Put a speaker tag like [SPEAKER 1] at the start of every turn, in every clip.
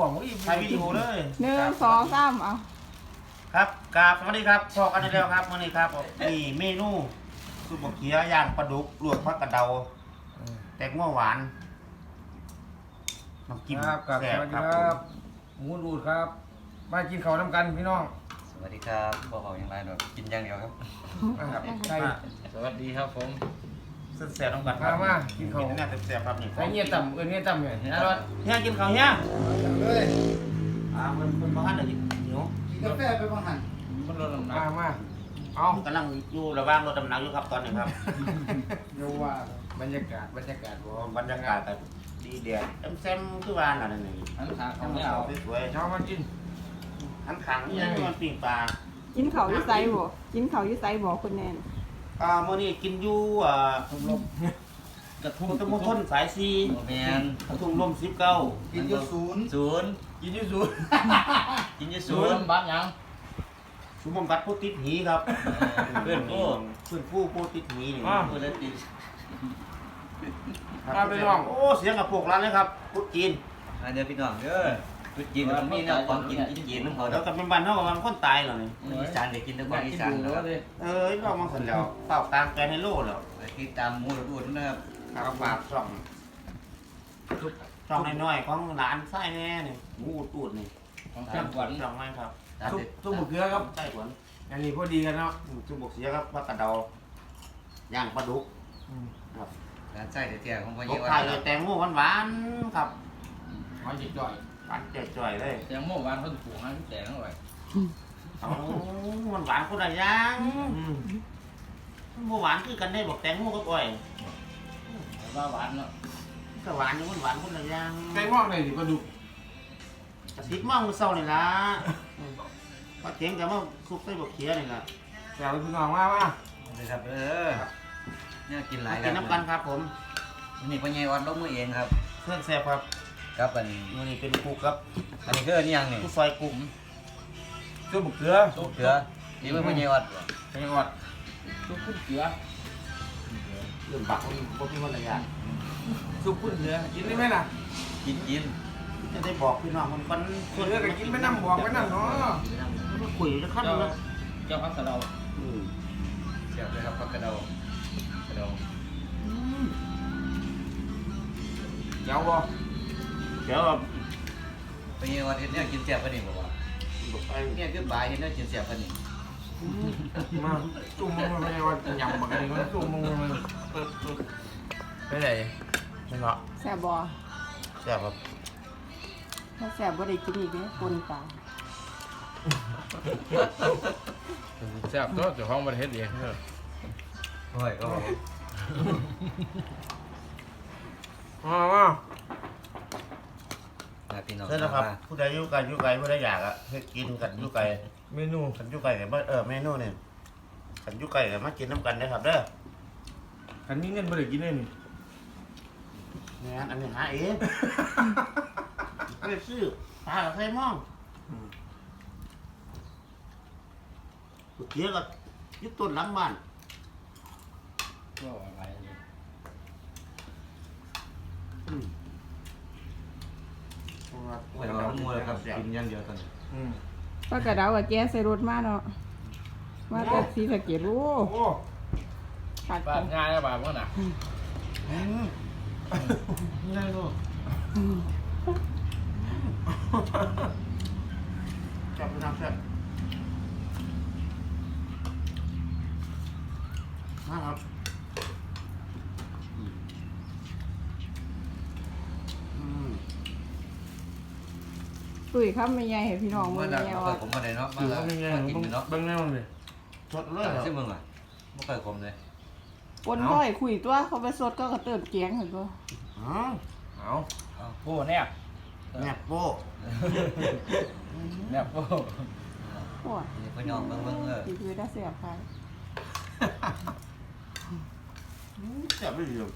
[SPEAKER 1] บอกว่าอีก
[SPEAKER 2] ถ่ายวิดีโอเลย
[SPEAKER 3] 1 2 3เอา
[SPEAKER 2] ครับกราบสวัสดีครับพอกันได้แล้วครับมื้อนี้ครับนี่เมนูซุปบะเขียย่างปลาดุกลวกผักกระเดาแตงโมหวานน้ำจิ้ม
[SPEAKER 1] ครับกับส
[SPEAKER 2] แซ่บ
[SPEAKER 1] วัสดี
[SPEAKER 2] ครับ
[SPEAKER 1] ครับหมูรูดครับมากินข้าวน้ำกันพี่น้อง
[SPEAKER 4] สวัสดีครับพวกเขาอย่างไรหน่อยกินอย่างเดียวครับ
[SPEAKER 1] นะครับใส่
[SPEAKER 5] สวัสดีครับผม
[SPEAKER 2] แซ่บๆต้องกันครับ
[SPEAKER 1] มากินข้าว
[SPEAKER 2] น่าแซ่บๆครับนี่
[SPEAKER 1] ใส่เงี้ยต่ำเงี้ยต่ำเนี่ยนะรถ
[SPEAKER 2] เฮียกินข้าวเฮีย
[SPEAKER 5] เลย
[SPEAKER 2] มันบ้านเลยเหนียว
[SPEAKER 5] กินกาแฟไปบ้างหันมันลดน้ำหนัก
[SPEAKER 1] มาเอา
[SPEAKER 2] กำลังอยู่ระหว่างรถดำน้ำอยู่ครับตอนนี้ครับ
[SPEAKER 5] เดี๋ยวว่า
[SPEAKER 1] บรรยากาศบ่
[SPEAKER 2] บรรยากาศแต่ดีเดียดแซมๆคือว่าน่ะนี่
[SPEAKER 5] อันขา
[SPEAKER 2] ทำ
[SPEAKER 5] ทำ
[SPEAKER 2] ให้
[SPEAKER 5] ไม่
[SPEAKER 2] เอา
[SPEAKER 5] เอา
[SPEAKER 2] สวย
[SPEAKER 1] เช้ามากิน
[SPEAKER 2] ๆหันขังนี่มันปิ้งปลา
[SPEAKER 3] กินข้าวอยู่ไสบ่กินข้าวอยู่ไสบ่คุณแนน
[SPEAKER 2] มื้อนี้กินอยู่กระทุ่มตะมุทนสายซี
[SPEAKER 4] แมน
[SPEAKER 2] กระทุ่มลม19
[SPEAKER 5] กินอยู่ศูนย์
[SPEAKER 4] ศูนย์
[SPEAKER 1] กินยูซู
[SPEAKER 4] กินยี่
[SPEAKER 5] ศู
[SPEAKER 4] ศู
[SPEAKER 5] น
[SPEAKER 4] น
[SPEAKER 5] ย์
[SPEAKER 4] ย์
[SPEAKER 5] บ้านยัง
[SPEAKER 2] ชุมบำบัดผู้ติดหีครับ
[SPEAKER 4] เพื่อนผู้
[SPEAKER 2] เพื่อนผู้ติดหีนี่
[SPEAKER 4] เพื่อนติด
[SPEAKER 2] ครับโอ้เสียงกับพวกร้านเลยครับพุทธจีน
[SPEAKER 4] อันเดียวพี่น้องเด้อจุดจีนตรงนี้เนี่ยของกินจีนน้ำเขา
[SPEAKER 2] แล้
[SPEAKER 4] เด้
[SPEAKER 2] ว
[SPEAKER 4] อ
[SPEAKER 2] กับเป็นบ้านเฮากับมันคนตายแล้วนี่
[SPEAKER 4] อีสานเด็กกินแต่ของอีสาน
[SPEAKER 5] แล้
[SPEAKER 4] นะ
[SPEAKER 5] ว
[SPEAKER 4] ครับ
[SPEAKER 5] เลย
[SPEAKER 2] เรามาสันแล้วเฝ้ากลางแกนให้โลแล้ว
[SPEAKER 4] ติดตามหมูรดูดนะครับ
[SPEAKER 2] ครับฝากช่องน้อยๆของหลานไส้แน่นี่มูตูดนี่
[SPEAKER 5] ของจังหวัด
[SPEAKER 2] ช่องไม้ครับ
[SPEAKER 1] ตุ้มหมึกเกลือครับ
[SPEAKER 2] ไส้หวน
[SPEAKER 1] อันนี้พอดีกันเนาะ
[SPEAKER 2] จุบกเสียครับผักกระเดาย่างปลาดุกครับ
[SPEAKER 4] ร้านไส้เตี้ยของพ่อ
[SPEAKER 2] ต
[SPEAKER 4] เยี่
[SPEAKER 2] ก
[SPEAKER 4] ย
[SPEAKER 2] ท้ายเลยแตงโมหวานๆครับ
[SPEAKER 5] มันจะจ่อย
[SPEAKER 2] หวานจ่อยๆเลย
[SPEAKER 5] แต่เมื่อวานเขาถูกให้แต่ทั้งหลาย
[SPEAKER 2] เอามันหวานคนละอย่างหวานคือกันได้บอกแตงโมกับอ้อย
[SPEAKER 5] ว่าหวานเนาะ
[SPEAKER 2] ก็หวานอยู่มันหวานคนละอย่าง
[SPEAKER 1] ไก่งอกเลยดิปลาดุก
[SPEAKER 2] กระติกมองมือเศร้านี่ล่ะมาเถียงกันมาซุปใส่บกเขียนี่ล่ะ
[SPEAKER 1] แซ่บพี่น้องมา
[SPEAKER 4] เลยครับเนี่ยกินหลาย
[SPEAKER 2] กินน้ำกันครับผม
[SPEAKER 4] นี่พ่อเยี่ยวัดลงมือเองครับ
[SPEAKER 2] เพื่อนแซ่บครับ
[SPEAKER 4] ครับอัน
[SPEAKER 2] นี่เป็นกุ๊กครับ
[SPEAKER 4] อันนี้คือนี่ยังนี่
[SPEAKER 2] ผู้ซอยกุ๊ก
[SPEAKER 1] ตุ้มหมึกเกลือ
[SPEAKER 4] ตุ๊กเกลือนี่เป็นพ่อเยี่ยวัด
[SPEAKER 1] ไก่งอก
[SPEAKER 5] ทุกคนเกลือ
[SPEAKER 2] เรื่องบักมันบ่มีคนละอย่าง
[SPEAKER 1] ซุปพุ่นเกลือกินได้ไหมล่ะ
[SPEAKER 4] กินกิน
[SPEAKER 2] จะได้บอกพี่น้องมันก่อน
[SPEAKER 1] เกลือก็กินไม่น้ำบอกไม่น้ำเนาะ
[SPEAKER 2] มาคุยจะขั้น
[SPEAKER 5] เจ้า
[SPEAKER 2] แล้ว
[SPEAKER 5] เจ้าพักกระเดา
[SPEAKER 4] เสียบเลยครับผักกระเดากระเดา
[SPEAKER 1] เจ้าบ่
[SPEAKER 2] เดี๋ยวแบบ
[SPEAKER 4] พ่อเยี่ยวัดเห็นเนี่ยกินเสียบปะนี่บอกว่า
[SPEAKER 2] บอกไป
[SPEAKER 4] เนี่ยคือบ่ายเห็นเนี่ยกินเสียบปะนี่
[SPEAKER 1] มาจุ่มมึงไม่ได้ว่าหยำบักอะไรก็จุ่มมึงมันไปไหนไม่เนาะ
[SPEAKER 3] แซ่บบ่
[SPEAKER 2] แซ่บครับ
[SPEAKER 3] ถ้าแซ่บบ่ได้กินอีกเด้ปนปลา
[SPEAKER 5] แซ่บตัวเจ้าของประเทศเองเนอะ
[SPEAKER 4] โอ้ยก็
[SPEAKER 1] มา
[SPEAKER 4] พี่น้อง
[SPEAKER 2] ใช่แล้วครับผู้ใดอยู่ไกลอยู่ไกลผู้ใดอยากอะให้กินกันอยู่ไกล
[SPEAKER 1] เมนู
[SPEAKER 2] กันอยู่ไกลกันเมนูเนี่ยกันอยู่ไกลกันมากินน้ำกันนะครับเด้อ
[SPEAKER 1] คันนี้เงินบ่ได้กินเลยนี่
[SPEAKER 2] งั้นอันนี้หาเองไม่ได้ซื้อปลากับไข่ม่องเกี่ยวกับยึดต้นหลังบ้าน
[SPEAKER 5] ก็อะไรเลย
[SPEAKER 4] โอ้ยเราหมูเลยครับกินอย่างเดียวตอนนี้
[SPEAKER 3] ปลากระเดากับแกใส่รถมาเนาะมาแต่ศรีสะเกษโอ้
[SPEAKER 1] โอ้
[SPEAKER 3] ขาด
[SPEAKER 5] บ้านง่ายแล้วบ้านมันน่ะ
[SPEAKER 1] ได้ลูก
[SPEAKER 2] จับไปทำแซ่บนะครับ
[SPEAKER 3] ตุ้ยครับไม่ใหญ่ให้พี่น้อง
[SPEAKER 4] ผม
[SPEAKER 3] มื้
[SPEAKER 4] ว่า
[SPEAKER 3] อ
[SPEAKER 4] น่ะ
[SPEAKER 3] นี้
[SPEAKER 4] ไม่
[SPEAKER 3] ว่า
[SPEAKER 4] ค่อยขมอะไรเนาะมา
[SPEAKER 1] ถือ
[SPEAKER 4] แล้ว
[SPEAKER 1] ว่าเป็นไง
[SPEAKER 4] มากินเนาะ
[SPEAKER 1] เบิ่งแน่เลย
[SPEAKER 2] สดเลยเหรอ
[SPEAKER 4] ใช่มึงอ่ะไม่ค่อยขมเลย
[SPEAKER 3] ปนก้อยคุยตัวเขาไปสดก็กระเติมแกงหั่นตัว
[SPEAKER 2] อ๋อ
[SPEAKER 1] เอา
[SPEAKER 5] โอ้แนบ
[SPEAKER 2] แม่โป้
[SPEAKER 5] แนบโอ้
[SPEAKER 3] โอ้ย
[SPEAKER 4] นี่พ่อน้องเบิ่ง
[SPEAKER 3] สิคือได้แซ่บค่ะ
[SPEAKER 2] แซ่บไม่ดีเลย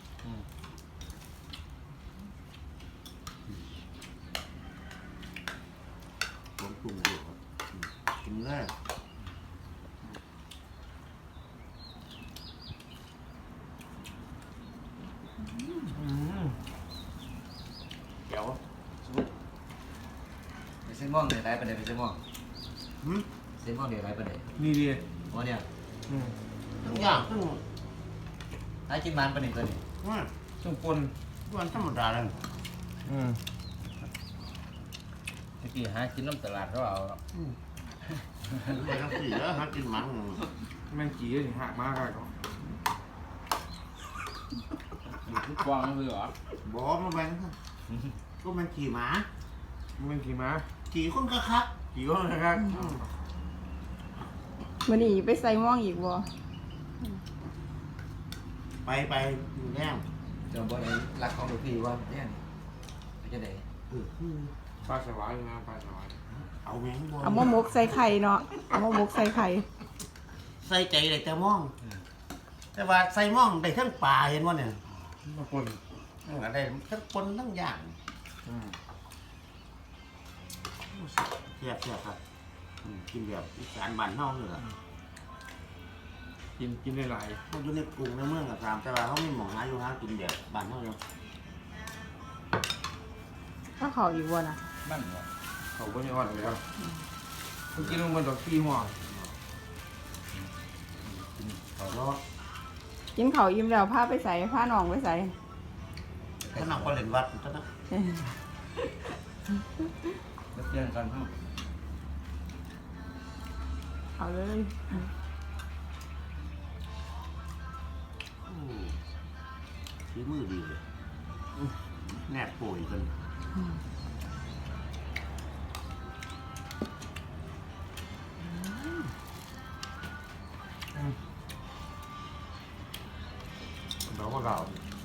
[SPEAKER 2] ผมปรุงอยู่ครับกินได้เดี๋ยว
[SPEAKER 4] ส้นม่วงเดี๋ยวไรประเดี๋ยวเส้นม่วง
[SPEAKER 2] หืม
[SPEAKER 4] เส้นม่วงเดี๋ยวไรประเดี๋ยว
[SPEAKER 1] นี่ดี
[SPEAKER 4] วันเนี้ย
[SPEAKER 2] ทุกอย่างซึ่ง
[SPEAKER 4] ให้กินมันประเดี๋ยวตัวนี้
[SPEAKER 1] ซึ่งปน
[SPEAKER 2] วันธรรมดาเลย
[SPEAKER 5] เมื่อกี้หากินน้ำตลาดเขาเอา
[SPEAKER 2] ไปทั้งสี่แล้วหากินมัน
[SPEAKER 1] แม่งจีนี่หักมากเลยก็
[SPEAKER 5] อยู่ทุกฟองคือเหรอ
[SPEAKER 2] บอกมาแบงก็มันขี่หมา
[SPEAKER 1] แม่งกี่ม้า
[SPEAKER 2] ขี่คนกระคัก
[SPEAKER 1] กี่ก็นะครับ
[SPEAKER 3] มื้อนี้ไปใส่หม่องอีกบ่
[SPEAKER 2] ไปอยู่แน่
[SPEAKER 4] เดี๋ยวบอกไอ้รักของลูกพี่ว่าเนี่ยไปจะไหน
[SPEAKER 1] ปลาสวายนะปลาสวาย
[SPEAKER 2] เอาแมงบอ
[SPEAKER 3] เอามาหมกใส่ไข่เนาะเอามาหมกใส่ไข่
[SPEAKER 2] ใส่ใจได้แต่มอง แต่ว่าใส่มองได้ทั้งปลาเห็นว่าเนี่ย
[SPEAKER 1] มาปน
[SPEAKER 2] ได้ทั้งปนทั้งอย่างเทียบครับกินแบบอีสานบ้านเฮาเลยล่ะ
[SPEAKER 1] กินได้หลาย
[SPEAKER 2] เขาอยู่ในกรุงในเมืองกับตามแต่ว่าเขาไม่หมองหาอยู่หากินแบบบ้านเฮาอยู่
[SPEAKER 3] ถ้าเขาอีกบ่น่ะ
[SPEAKER 5] บ้านเหรอ
[SPEAKER 1] เขาก็ไม่อ่อนเลยครับกินลงมันดอกขี้หัว
[SPEAKER 2] เขาเนาะ
[SPEAKER 3] กินข้าวอิ่มแล้วพาไปใส่พาน้องไปใส่
[SPEAKER 2] เขานำก็เล่นวัดเท่านั้น
[SPEAKER 5] แล้วเปลี่ยนกันทั้ง
[SPEAKER 3] เอาเลย
[SPEAKER 2] ฝีมือดีเลยแนบป่วยกัน
[SPEAKER 1] ดอกมะกาว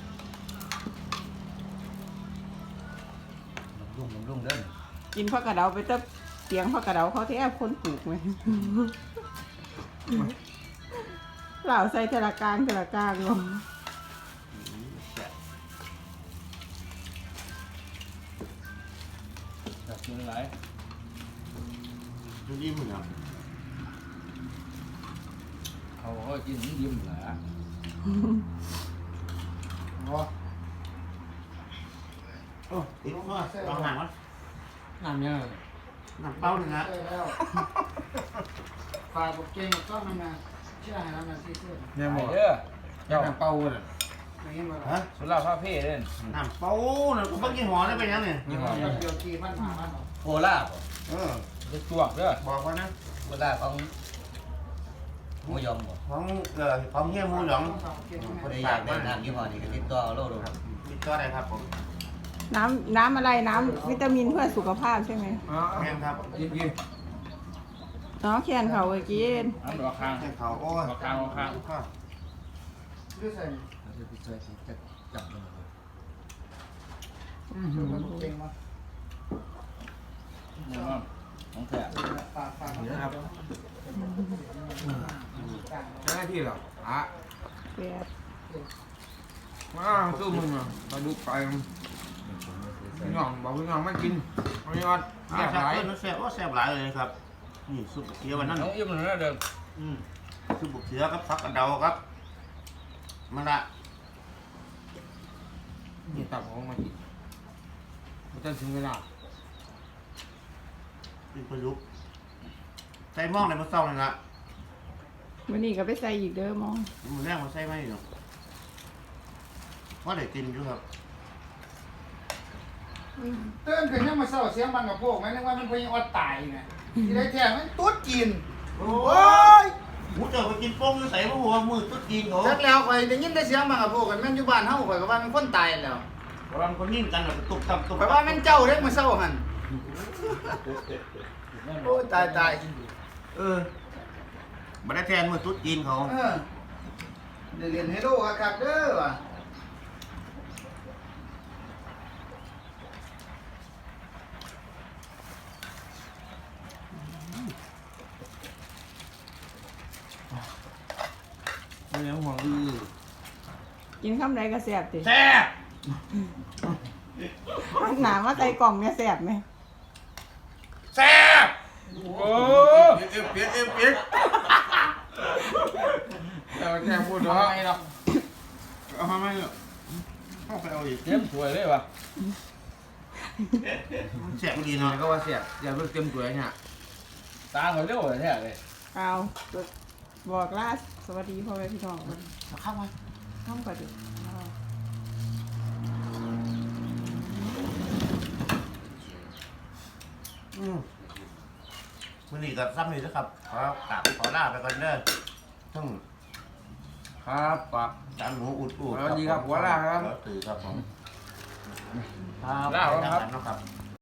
[SPEAKER 4] รุ่งเด้อ
[SPEAKER 3] กินผักกระเดาไปตะเตียงผักกระเดาเขาที่แอบคนปลูกไหมเหล่าใส่เทละกลางลง
[SPEAKER 5] อยากกินอะไร
[SPEAKER 2] ดูดีมึงอ่ะ
[SPEAKER 5] เขาก็กินยิ้มเหรอ
[SPEAKER 2] โอ้ติดมาลองหนังวะ
[SPEAKER 1] น้ำยัง
[SPEAKER 2] หนังเป้าหนึ่งนะ
[SPEAKER 6] ฝากบุกเก่งก็มันมาเชื่อให้เราหน่อยสิเชื่อ
[SPEAKER 1] เนี่ยหมด
[SPEAKER 5] เด้อ
[SPEAKER 1] เจ้าเป้าเลย
[SPEAKER 6] อย่างนี้มา
[SPEAKER 2] ฮะ
[SPEAKER 5] สุราพาเพ่เด่น
[SPEAKER 2] หนังเป้าเนี่ยกูเพิ่งกินหัวได้ไปยังเนี่ย
[SPEAKER 5] ยี่ห้อ
[SPEAKER 6] เดี๋ยวกี่พันหาพันหรอ
[SPEAKER 4] โคราช
[SPEAKER 5] จะจวกเด้อ
[SPEAKER 2] บอกว่านะ
[SPEAKER 4] โคราชของหมูยอมบ่
[SPEAKER 2] ของเฮียมูหยอง
[SPEAKER 4] คนใดอยากได้น้ำยี่ห้อนี้ก็ติดต่อเอาโลดครับ
[SPEAKER 2] ติดต่อได้ครับผม
[SPEAKER 3] น้ำอะไรน้ำวิตามินเพื่อสุขภาพใช่ไหม
[SPEAKER 2] แม่นครับ
[SPEAKER 1] กิน
[SPEAKER 3] เนาะแขนเขาไปกิน
[SPEAKER 5] น้ำดอกคาง
[SPEAKER 2] แค่เขาโอ้ย
[SPEAKER 6] ดูใส่
[SPEAKER 4] เราจะไปช่วยจะจับมัน
[SPEAKER 6] บุกเก่งมา
[SPEAKER 5] เนี่ยของแท้
[SPEAKER 6] ฝาก
[SPEAKER 1] นะครับ เจ้าหน้าที่เหรออ่ะ
[SPEAKER 3] แปด
[SPEAKER 1] มาสู้มึงอ่ะมาดูไปพี่น้องบอกพี่น้องไม่กินไม่ยอด
[SPEAKER 2] แซ่
[SPEAKER 1] แซ่
[SPEAKER 2] บบ ห
[SPEAKER 1] ห
[SPEAKER 2] ลา
[SPEAKER 1] ลาย ย
[SPEAKER 2] แซ่บว่าแซ่บหลายเลยครับนี่ซุปเขียววันนั้น
[SPEAKER 5] น้องยิ้มเลยเด้อ
[SPEAKER 2] ซุปเขียวครับผักกระเดาครับมันละ
[SPEAKER 1] นี่ตับของมากินมันจะถึงเวลา
[SPEAKER 2] เป็นประยุกต์ใส่หม้องในมะเศร้าเลยนะ
[SPEAKER 3] วันนี้ก็ไปใส่อีกเด้อมอง
[SPEAKER 2] มันแรงมาใส่ไหมเนาะว่าได้กินอยู่ครับ
[SPEAKER 6] เตือนขึ้นยังมาเศร้าเสียงบังกับพวกไหมนึกว่ามันพยังอดตายไงที่ได้แท้มันตุ๊ดกิน
[SPEAKER 2] โอ้ยหูเจอไปกินโป้งใส่หัวมือตุ๊ดกินเขา
[SPEAKER 6] จักแล้วข่อยได้ยินแต่เสียงบังกับพวกกันแม่นอยู่บ้านเฮาข่อยก็ว่ามันคนตายแล้ว
[SPEAKER 2] เพราะว่ามันคนนิ่งกันแบบตุบตับตุบ
[SPEAKER 6] ข่อยว่ามันเจ้าเด้มาเศร้าหั่นโอ้ตาย
[SPEAKER 2] มาได้แทนมือตุ๊ดกินเขา
[SPEAKER 6] ได้เรียนให้ดูคักๆเด้อว่ะ
[SPEAKER 1] ไม่ยังห่วง
[SPEAKER 3] กินข้ามใดก็แซ่บติ
[SPEAKER 2] แซ่บ
[SPEAKER 3] หนามาใส่กล่องเนี่ยแซ่บไหม
[SPEAKER 2] แซ่บ
[SPEAKER 1] โอ้เปียกแต่แค่พูดเนาะ
[SPEAKER 5] ไม่หรอก
[SPEAKER 2] เอามาไหมเนาะเข้าไปเอาอีก
[SPEAKER 5] เตรียมสวยเลยวะ
[SPEAKER 3] ใ
[SPEAKER 2] เสียบดี
[SPEAKER 1] นี่
[SPEAKER 2] เนาะ
[SPEAKER 1] ก็ว่าเสียบอย่าเพิ่งเต็มตัวเนี่ย
[SPEAKER 5] ตาเขาเร็วเลยแท้เลย
[SPEAKER 3] เอาบอกลาสวัสดีพ่อแม่พี่น้องมัน
[SPEAKER 2] เข้ามา
[SPEAKER 3] ข้ามก่อนดิ
[SPEAKER 2] มื้อนี้ก็ซ้ำนี่นะครับขอกราบขอลาไปก่อนเด้อทั้ง
[SPEAKER 1] ครับปะ
[SPEAKER 2] จานหมูอุดอูด
[SPEAKER 1] สวัสดีครับหัวลาครับ
[SPEAKER 2] ตื่นครับผมครับ
[SPEAKER 5] ลาครับ
[SPEAKER 2] ครับ